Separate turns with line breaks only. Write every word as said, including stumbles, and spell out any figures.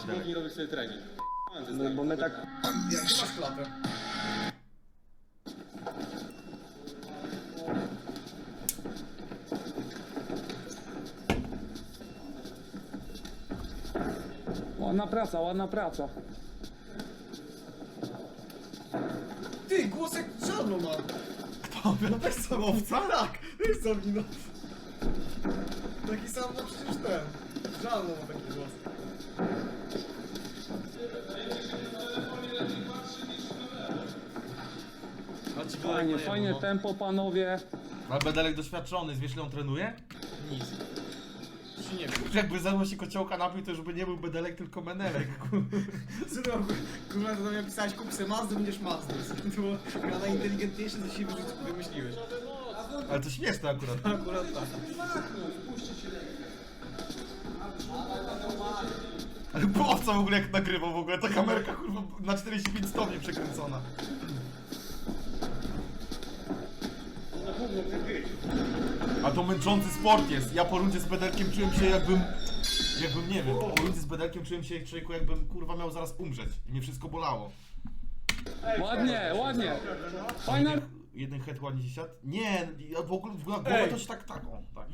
siłowni robisz sobie trening.
No, bo my tak...
Jak masz klatę?
Ładna praca, ładna praca.
Ty, głosek czarno ma!
Kto? No też sam owca?
Tak, wiesz co mi no. Taki sam, no przecież ten. Żalno ma taki głos.
Fajnie, fajnie tempo, panowie.
Ale Bedelek doświadczony, wiesz ile on trenuje?
Nic. Czy nie wiem.
Jakby zajmował się kociołka napił, to już by nie był Bedelek, tylko Menelek.
Słuchaj, kurwa, to do mnie pisałeś, kup se Mazdę, będziesz Mazdą. To było chyba najinteligentniejsze, co się wymyśliłeś.
Ale to śmieszne akurat.
Akurat tak.
Ale po owca w ogóle jak nagrywał w ogóle, ta kamerka kurwa na czterdzieści pięć stopni przekręcona. A to męczący sport jest. Ja po rundzie z Bedelkiem czułem się jakbym... Jakbym, nie wiem, po rundzie z Bedelkiem czułem się człowieku jakbym kurwa miał zaraz umrzeć. I mnie wszystko bolało.
Ładnie, ładnie. Fajna...
Jeden head ładnie się siadł? Nie, ja w ogóle w głowę to się tak, tak, o, tak.